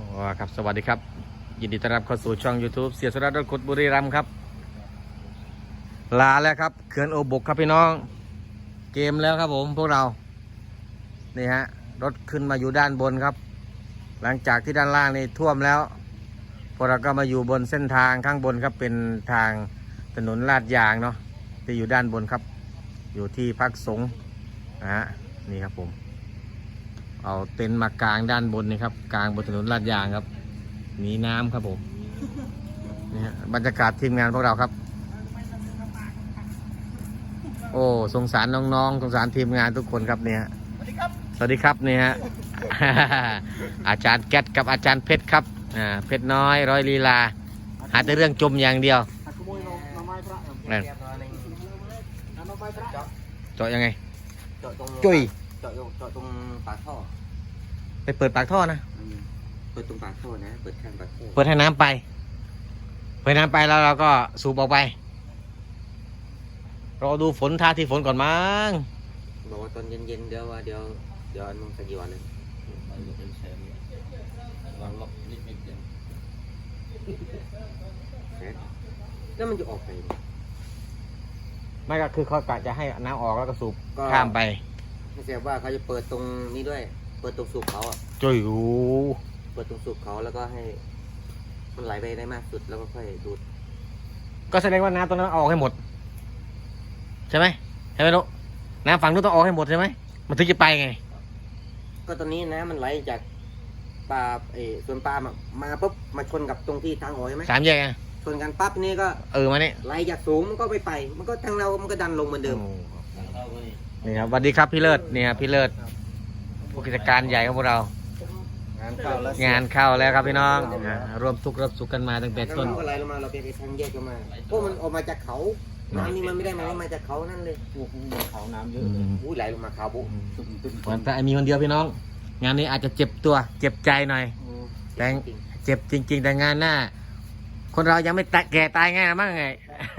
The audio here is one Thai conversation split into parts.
ครับสวัสดีครับยินดีต้อนรับเข้าสู่ช่อง YouTube เสียสระรถขุดบุรีรัมย์ครับลาแล้วครับเขื่อนโอบกครับพี่น้องเกมแล้วครับผมพวกเรานี่ฮะรถขึ้นมาอยู่ด้านบนครับหลังจากที่ด้านล่างนี่ท่วมแล้วพวกเราก็มาอยู่บนเส้นทางข้างบนครับเป็นทางถนนลาดยางเนาะที่อยู่ด้านบนครับอยู่ที่พักสงฆ์นะฮะนี่ครับผมเอาเต็นท์มากลางด้านบนนี่ครับกลางบนถนนลาดยางครับหนีน้ำครับผมนี่ฮะบรรยากาศทีมงานพวกเราครับโอ้สงสารน้องๆสงสารทีมงานทุกคนครับเนี่ยสวัสดีครับนี่ฮะ อาจารย์แก๊สกับอาจารย์เพชรครับเพชรน้อยร้อยลีลาหาแต่เรื่องจมอย่างเดียวนั่นเจาะยังไงจุ้ยเจาะตรงปากท่อไปเปิดปากท่อนะเปิดตรงปากท่อนะเปิดข้างปากท่อเปิดให้น้ำไปเปิดน้ำไปแล้วเราก็สูบออกไปรอดูฝนท่าที่ฝนก่อนมั้งบอกว่าตอนเย็นๆเดี๋ยวอันมึงสักกี่วันเลยแล้วมันจะออกไปไม่ก็คือเขากะจะให้น้ำออกแล้วก็สูบข้ามไปไม่ใช่ว่าเขาจะเปิดตรงนี้ด้วยเปิดตรงสูบเขาอ่ะจุ้ยเปิดตรงสูบเขาแล้วก็ให้มันไหลไปได้มากสุดแล้วก็ค่อยดูดก็แสดงว่าน้ำตรงนั้นออกให้หมดใช่ไหมลูกน้ำฝั่งนู้นต้องออกให้หมดใช่ไหมมันถึงจะไปไงก็ตอนนี้น้ำมันไหลจากปลาส่วนปลามาปุ๊บมาชนกับตรงที่ทางออกใช่ไหมสามแยกไงชนกันปั๊บนี่ก็มาเนี่ยไหลจากสูงมันก็ไปมันก็ทางเรามันก็ดันลงเหมือนเดิมนี่ครับสวัสดีครับพี่เลิศนี่ครับพี่เลิศผู้กิจการใหญ่ของพวกเรางานเข้าแล้วครับพี่น้องรวมทุกข์รับสุขกันมาตั้งแต่ต้นก็ไหลลงมาเราไปทางแยกกันมาเพราะมันออกมาจากเขาน้ำนี่มันไม่ได้มาจากเขานั่นเลยเขาน้ำเยอะอุ้ยไหลลงมาเขาบุวันแต่มีคนเดียวพี่น้องงานนี้อาจจะเจ็บตัวเจ็บใจหน่อยแต่เจ็บจริงๆแต่งานหน้าคนเรายังไม่แก่ตายง่ายนะมั้งไง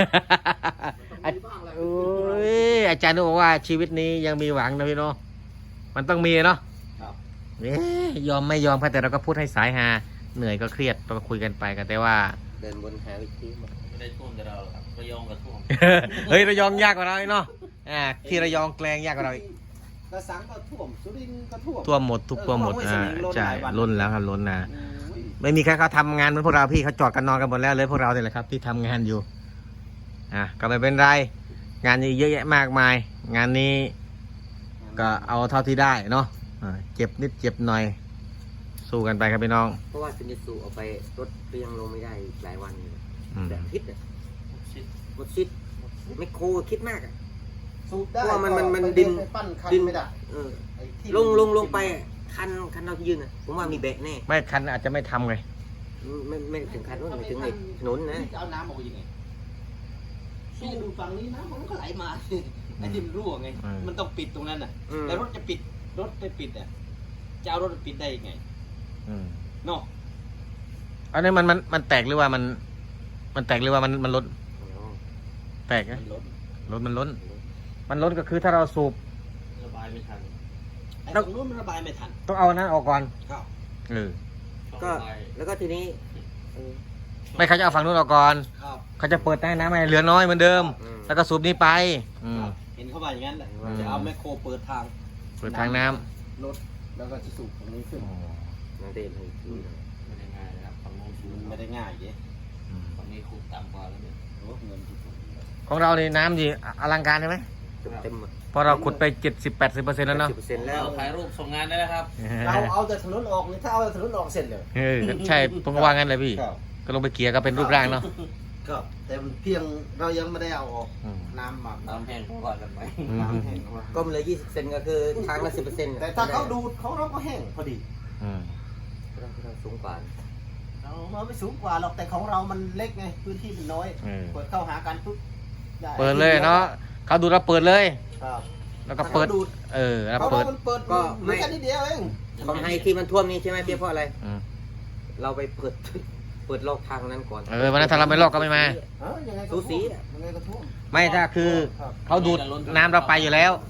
อาจารย์บอกว่าชีวิตนี้ยังมีหวังนะพี่น้องมันต้องมีเนาะยอมไม่ยอมแต่เราก็พูดให้สายหาเหนื่อยก็เครียดเราก็คุยกันไปกันแต่ว่าเดินบนหาวิธีไม่ได้ท่วมแต่เราครับระยองก็ท่วมเฮ้ยระยองยากกว่าเราเนาะที่ระยองแกลงยากกว่าเราอีกกระสังก็ท่วมสุรินทร์ก็ท่วมหมดทุกท่วมหมดใช่ล้นแล้วครับล้นนะไม่มีใครเขาทำงานเหมือนพวกเราพี่เขาจอดกันนอนกันหมดแล้วเลยพวกเราเนี่ยแหละครับที่ทำงานอยู่ก็ไม่เป็นไรงานนี้เยอะแยะมากมายงานนี้ก็เอาเท่าที่ได้เนาะเจ็บนิดเจ็บหน่อยสู้กันไปครับพี่น้องเพราะว่าซินิสูเอาไปรถก็ยังลงไม่ได้หลายวันแบบคิดหมดชิดไม่โคคิดมากเพราะว่ามันดินไม่ได้ลงไปคันเรายืนผมว่ามีแบกแน่ไม่คันอาจจะไม่ทำไงไม่ถึงคันนู้นไม่ถึงไอ้ถนนนะเอาน้ำออกยังไงพี่ดูฝั่งนี้น้ำมันก็ไหลมาไอ้ที่มันรั่วไงมันต้องปิดตรงนั้นน่ะแล้วรถจะปิดรถไปปิดจะเอารถปิดได้ยังไงเนาะอันนี้มันแตกหรือว่ามันแตกหรือว่ามันล้นแตกนะรถมันล้นก็คือถ้าเราสูบระบายไม่ทันตรงนู้นมันระบายไม่ทันต้องเอานั้นออกก่อนก็แล้วก็ทีนี้ไม่เขาจะเอาฝั่งนู้นออกก่อนเขาจะเปิดใต้น้ำให้เหลือน้อยเหมือนเดิมแล้วก็สูบนี้ไปเห็นเขาว่าอย่างนั้นแหละจะเอาแมคโครเปิดทางน้ำรถแล้วก็จะสูบตรงนี้ขึ้นนั่นเองไม่ได้ง่ายนะครับฝั่งนู้นสูบไม่ได้ง่ายเยอะฝั่งนี้ขุดต่ำกว่าแล้วเนี่ยของเราในน้ำดีอลังการใช่ไหมเต็มพอเราขุดไป 70-80%แล้วเนาะแล้วถ่ายรูปส่งงานได้แล้วครับเราเอาแต่ถนนออกนี่ถ้าเอาแต่ถนนออกเสร็จเลยใช่ผมก็ว่างั้นเลยพี่ก็ลงไปเกี่ยก็เป็นรูปร่างเนาะก็แต่เพียงเรายังไม่ได้เอาออกน้ำหมักน้ำแห้งก่อนกันไหมก็มันเลย20%ก็คือทางละ10% แต่ถ้าเขาดูดเขาเราก็แห้งพอดีเราสูงกว่าเราไม่สูงกว่าหรอกแต่ของเรามันเล็กไงพื้นที่มันน้อยเปิดเข้าหากันปุ๊บเปิดเลยเนาะเขาดูเราเปิดเลยแล้วก็เปิดแล้วเปิดก็ไม่แค่นิดเดียวเองของไฮที่มันท่วมนี่ใช่ไหมเพียงเพราะอะไรเราไปเปิดลอกทางนั้นก่อนวันนั้นถ้าเราไม่ลอกก็ไม่มาสูสีไม่ถ้าคือเขาดูดน้ำเราไปอยู่แล้ว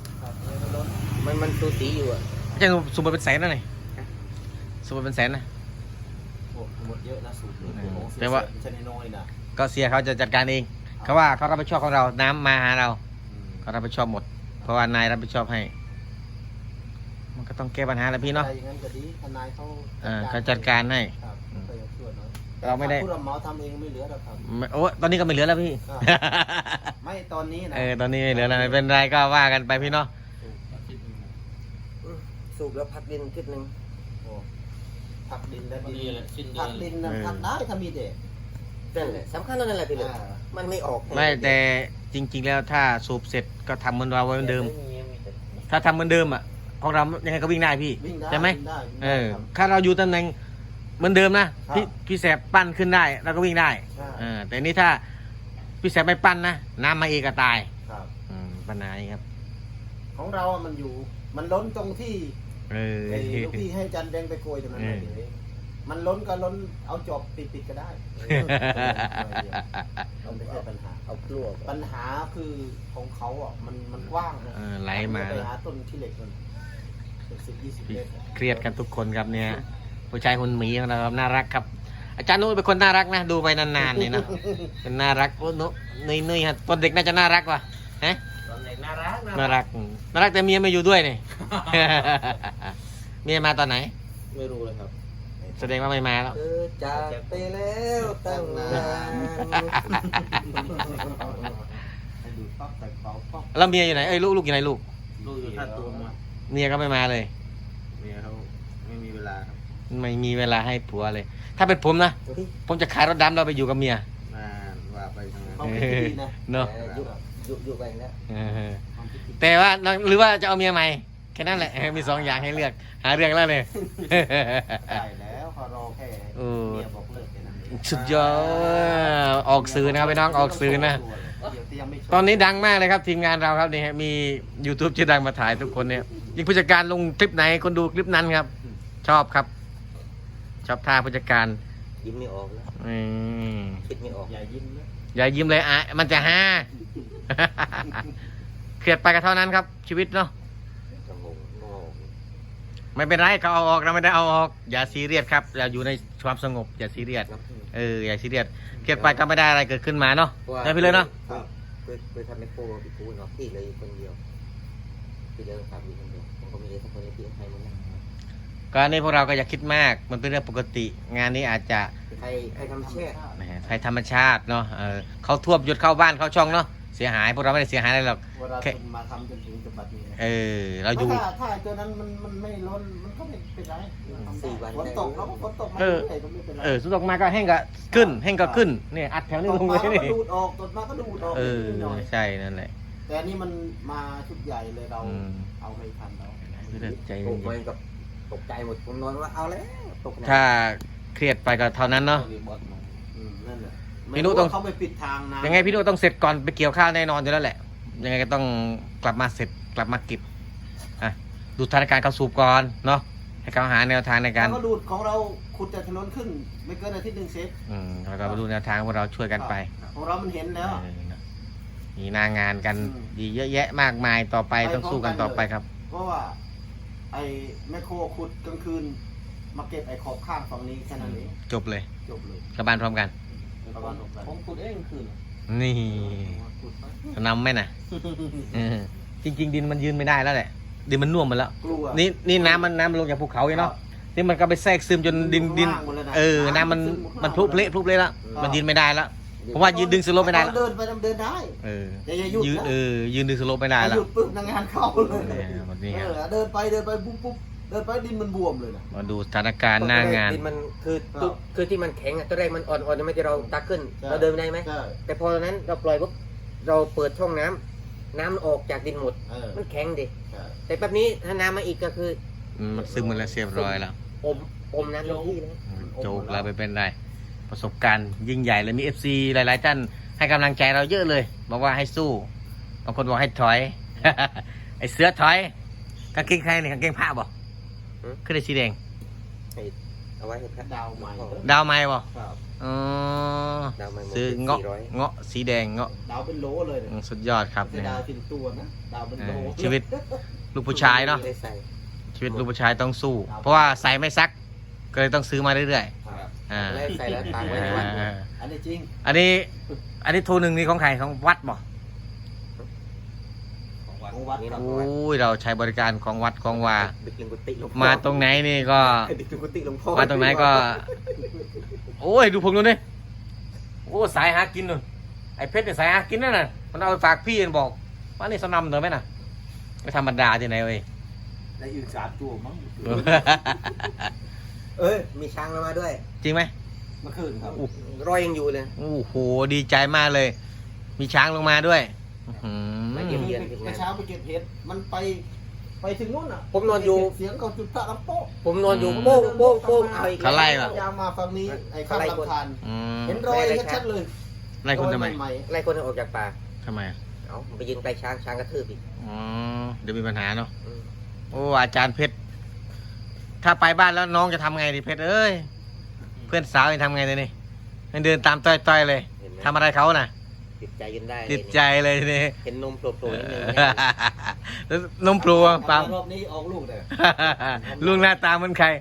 มันสูสีอยู่จะสูบเป็นแสนนะนี่สูบเป็นแสนนะหมดเยอะนะสูตรนี้ของเสียแต่ว่าชนิดน้อยนะก็เสียเขาจะจัดการเองเขาว่าเขารับผิดชอบของเราน้ำมาหาเราเขารับผิดชอบหมด เพราะว่านายรับผิดชอบให้ มันก็ต้องแก้ปัญหาแหล้วพี่เนาะอย่างนั้นก็ดีทนายเขาเขาจัดการให้ครับก็จะช่วยหน่อยเราไม่ได้ผู้รับเหมาทำเองไม่เหลือหรอกครับโอ้ตอนนี้ก็ไม่เหลือแล้วพี่ไม่ตอนนี้นะตอนนี้ไม่เหลือแล้วไม่เป็นไรก็ว่ากันไปพี่เนาะสูบแล้วพักดินทิศหนึ่งโอ้ผักดินและดินนี่แหละสิ้นเดืผัอนกดินนะผักได้ถ้ามีเด็กนั่นแหละสำคัญนั่นแหละพี่เลยอ่ามันไม่ออกไม่แต่จริง ๆ แล้วถ้าสูบเสร็จก็ทำเหมือนเราเหมือนเดิม ถ้าทำเหมือนเดิมอ่ะของเรายังไงก็วิ่งได้พี่วิ่งได้ใช่ไหมวิ่งได้วิ่งเอได้อครับถ้าเราอยู่ตำแหน่งเหมือนเดิมนะครับ พี่แสบปั้นขึ้นได้เราก็วิ่งได้ใช่แต่นี่ถ้าพี่แสบไม่ปั้นนะน้ำมาเองก็ตายครับปัญหานี้ครับของเราอะมันอยู่มันล้นตรงที่เออไอ้ลูกพี่ให้จันแดงไปโกยตรงนั้นเลยเออมันล้นก็ล้นเอาจอบปิดก็ได้เราไม่ใช่ปัญหาเอากลัวปัญหาคือของเขาอ่ะมันกว้างนะไหลมาไปหาต้นที่เหล็กมัน10-20 เมตรเครียดกันทุกคนครับเนี่ยผู้ชายคนหมีของเราครับน่ารักครับ อาจารย์นุ้ยเป็นคนน่ารักนะดูไปนานๆนี่เนาะเป็นน่ารักโอ้นุ้ยฮะตอนเด็กน่าจะน่ารักว่ะฮะตอนเด็กน่ารักน่ารักแต่เมียไม่อยู่ด้วยนี่ เมียมาตอนไหนไม่รู้เลยครับแสดงว่าไม่มาแล้วเธอจากไปแล้วตั้งนานให้ดูป๊อกใส่เป๋าป๊อกแล้วเมียอยู่ไหนเอ้ยลูกอยู่ไหนลูกลูกอยู่ท่าตูมอะเมียก็ไม่มาเลยเมียเขาไม่มีเวลาครับไม่มีเวลาให้ผัวเลย ถ้าเป็นผมนะผมจะขายรถดำเราไปอยู่กับเมียมาว่าไปทางนั้นเขาคิดดีนะเนาะอยู่ไปแล้วเออแต่ว่าหรือว่าจะเอาเมียใหม่แค่นั้นแหละ มี2 อย่างให้เลือกหาเรื่องแล้วเลยได้แล้วเขารอแค่เออเมียบอกเลิกแค่นั้นเองสุดยอดออกสื่อนะครับพี่น้องออกสื่อนะเดี๋ยวยังไม่ชตอนนี้ดังมากเลยครับทีมงานเราครับนี่ฮะมี YouTube ชื่อดังมาถ่ายทุกคนเนี่ยยิ่งผู้จัดการลงคลิปไหนคนดูคลิปนั้นครับ ชอบครับ ชอบท่าผู้จัดการยิ้มไม่ออกแล้วอืมคิดไม่ออกอย่ายิ้มนะอย่ายิ้มเลยอ่ะมันจะฮา เครียดไปก็เท่านั้นครับ ชีวิตเนาะจะงงงอไม่เป็นไรเขาเอาออกเราไม่ได้เอาออก อย่าซีเรียสครับอย่าอยู่ในความสงบอย่าซีเรียสครับอย่าซีเรียสเครียดไปก็ไม่ได้อะไรเกิดขึ้นมาเนาะได้พี่เลยเนาะเคยทำไมโครพี่กูเนาะพี่เลยคนเดียวพี่เลยทำอยู่คนเดียวผมก็มีเอสักคนที่ให้มันนะก็อันนี้พวกเราก็อย่าคิดมากมันเป็นเรื่องปกติ งานนี้อาจจะใครทำแช่แหมภัยธรรมชาติเนาะเขาท่วมหยุดเข้าบ้านเข้าช่องเนาะเสียหายพวกเราไม่ได้เสียหายอะไรหรอกเวลาคุณมาทำจนถึงจุดบัดนี้นะเราอยู่ถ้าตัวนั้นมันไม่ล้นมันก็ไม่เป็นไร 4 วันฝนตกแล้วก็ฝนตกมาเออเรื่อยๆก็ไม่เป็นไรสุดออกมาก็แห้งก็ขึ้นแห้งก็ขึ้นเนี่ยอัดแถวนี้ลงเลยตกมานี่ก็ดูดออกตกมาก็ดูดออกนิดหน่อยใช่นั่นแหละแต่อันนี้มันมาชุดใหญ่เลยเราอืมเอาไม่ทันเราใจตเย็กนไปกับตกใจหมดผมนอนว่าเอาแล้วตกๆถ้าเครียดไปก็เท่านั้นเนาะนั่นแหละพี่นุ๊กต้องเขาไปปิดทางนะยังไงพี่นุต้องเสร็จก่อนไปเกี่ยวข้าวแน่นอนอยู่แล้วแหละ ยังไงก็ต้องกลับมาเสร็จกลับมาเก็บดูสถานการณ์เขาสูบก่อนเนาะให้เขาหาแนวทางในการแล้วก็ดูดของเราขุดจากถนนขึ้น ไม่เกินอาทิตย์หนึ่งเซตแล้วก็มาดูแนวทางพวกเราช่วยกันไปของเรามันเห็นแล้วมีหน้างานกันอืมดีเยอะแยะมากมายต่อไปไปต้องสู้กันพร้ต่ออมกันไปครับเพราะว่าไอ้แมคโครขุดกลางคืน มาเก็บไอ้ขอบข้างฝั่งนี้แค่นั้นเองจบเลยจบเลยกลับบ้านพร้อมกันประมาณนั้นผมพูดเองคืนนี่ขุดไปจะนำไหมนะจริง ๆ ดินมันยืนไม่ได้แล้วแหละดินมันน่วมหมดแล้วกลัวนี่น้ำมันลงจากภูเขาอยู่เนาะนี่มันก็ไปแทรกซึมจนดินว่างหมดเลยนะน้ำมันซึข้างมันพลุเพละแล้ว มันยืนไม่ได้แล้วผมว่ายืนดึงสโลปไม่ได้แล้วเดินไปเดินได้ แต่อย่าหยุดยืนนะยืนดึงสโลปไม่ได้ถ้าแล้หวยุดปุ๊บงานเข้าเลยวันนี้ครับเดินไปปุ๊บเดินไปดินมันบวมเลยนะมาดูสถานการณ์หน้างานดินมันคือที่มันแข็งอ่ะตอนแรกมันอ่อนๆยังไม่ที่เราตักขึ้นใช่เราเดินได้ไหมใช่แต่พอนั้นเราปล่อยปุ๊บเราเปิดช่องน้ำน้ำมันออกจากดินหมด มันแข็งดิใช่แต่แบบนี้ถ้าน้ำมาอีกก็คือมันซึมมาแล้วเรียบร้อยแล้วอมน้ำเต็มที่เลยโจกเราไปเป็นไรประสบการณ์ยิ่งใหญ่เลยมี FC หลายๆท่านให้กำลังใจเราเยอะเลย บอกว่าให้สู้บางคนบอกให้ถอย ไอเสือถอยกางเกงใครเนี่ยกางเกงผ้าบอกขึ้นได้สีแดงเอาไว้ให้พระดาวใหม่ดาวไม้บอกครับอ๋อดาวใหม่ซื้อเงาะ 400 เงาะสีแดงเงาะดาวเป็นโหลเลยเนี่ยสุดยอดครับไม่เนี่ยใช่ดาวเป็นตัวนะดาวเป็นโหลชีวิตลูกผู้ชายเนาะไม่ได้ใส่ชีวิตลูกผู้ชายต้องสู้ เพราะว่าใส่ไม่ซักก็เลยต้องซื้อมาเรื่อยครับๆแล้วใส่แล้วตากไว้ในวัดอันนี้จริงอันนี้ทูหนึ่งนี่ของใครของวัดบ่ของวัดนี่ครันะบโอ้ยเราใช้บริการของวัดของวาดึกถึงกุฏิหลวงพ่อมาตรงไหนนี่ก็ดึกถึงกุฏิหลวงพ่อมาตรงไหนก็ โอ้ยดูผมดูนี่โอ้สายหากินนู่นไอ้เพชรเนี่ยสายหากินนั่นน่ะมันเอาไปฝากพี่มันบอกว่านี่สนำเถอะไหมน่ะไม่ธรรมดาที่ไหนเว้ยและอีก3 ตัวมั้งมีช้างมาด้วยจริงไหมเมื่อคืนครับรอยยังอยู่เลยโอ้โหดีใจมากเลย มีช้างลงมาด้วยอื้อหืมาอเยี่ยมเมื่อเช้าไปเก็บเห็ดมันไปถึงนู่นอ่ะผมนอนอยู่เสียงเขาจุดพระลำโป๊ะผมนอนอยู่โป้งโป้งโป้งเอาอีกเขาไล่เหรอยาวมาฝั่งนี้ไอ้ข้ามลำธารอืมเห็นรอยชัดๆเลยไล่คุณทำไมรอยใหม่ไล่คนออกจากป่าทำไมเอาไปยืนใกล้ช้างช้างกระทืบอีกอ๋อเดี๋ยวมีปัญหาเนาะอืมโอ้อาจารย์เพชรถ้าไปบ้านแล้วน้องจะทำไงดิเพชรเอ้ยเพื่อนสาวจะทำไงเลยนี่มันเดินตามต้อยๆเลยเห็นไหมทำอะไรเขาน่ะติดใจยืนได้ติดใจเลยทีนี่เห็นนมโผล่ๆนิดนึงแล้วนมปลูอะๆปังรอบนี้ออกลูกเลยลุงหน้าตาเหมือนใคร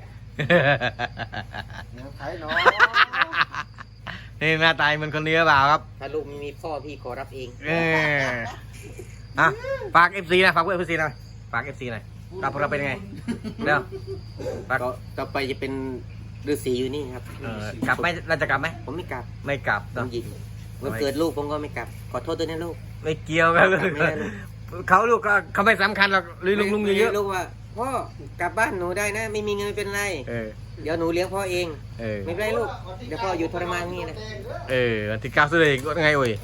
น้ำไทยเนาะนี่หน้าตาเหมือนคนนี้หรือเปล่าครับถ้าลูกไม่มีพ่อพี่ขอรับเองเอออ่ะฝาก FC นะฝากพวก FC หน่อยฝาก FC หน่อยรับพวกเราเป็นยังไงเดี๋ยวฝากก็ต่อไปจะเป็นฤาษีอยู่นี่ครับกลับไหมเราจะกลับไหมผมไม่กลับไม่กลับผเนอะมยิงวันเกิดลูกผมก็ไม่กลับ ขอโทษด้วยนะลูกไม่เกี่ยวกันไม่ได้ลูกเขาลูกก็เขาไม่สำคัญหรอกลุงเยอะลูกว่าพ่อกลับบ้านหนูได้นะ ไม่มีเงินไม่เป็นไรเออเดี๋ยวหนูเลี้ยงพ่อเองเออไม่เป็นไรลูก เดี๋ยวพ่ออยู่ทรมานนี่นะวันที่9สุดเลยก็ไงโอ้ย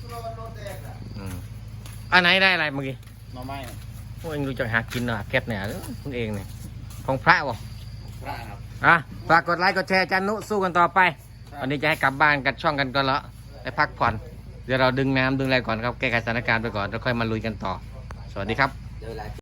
อันไหนได้อะไรเมื่อกี้มาไม่พวกเองรู้จักหากินเหรอแคทเนี่ยคุณเองเนี่ยของพระวะพระครับอ่ะฝากกดไลค์กดแชร์อาจันนุสู้กันต่อไปวันนี้จะให้กลับบ้านกันช่องกันก่อนละไปพักผ่อนเดี๋ยวเราดึงน้ำดึงอะไรก่อนครับแก้ไขสถานการณ์ไปก่อนแล้วค่อยมาลุยกันต่อ สวัสดีครับเดี๋ยวเวลา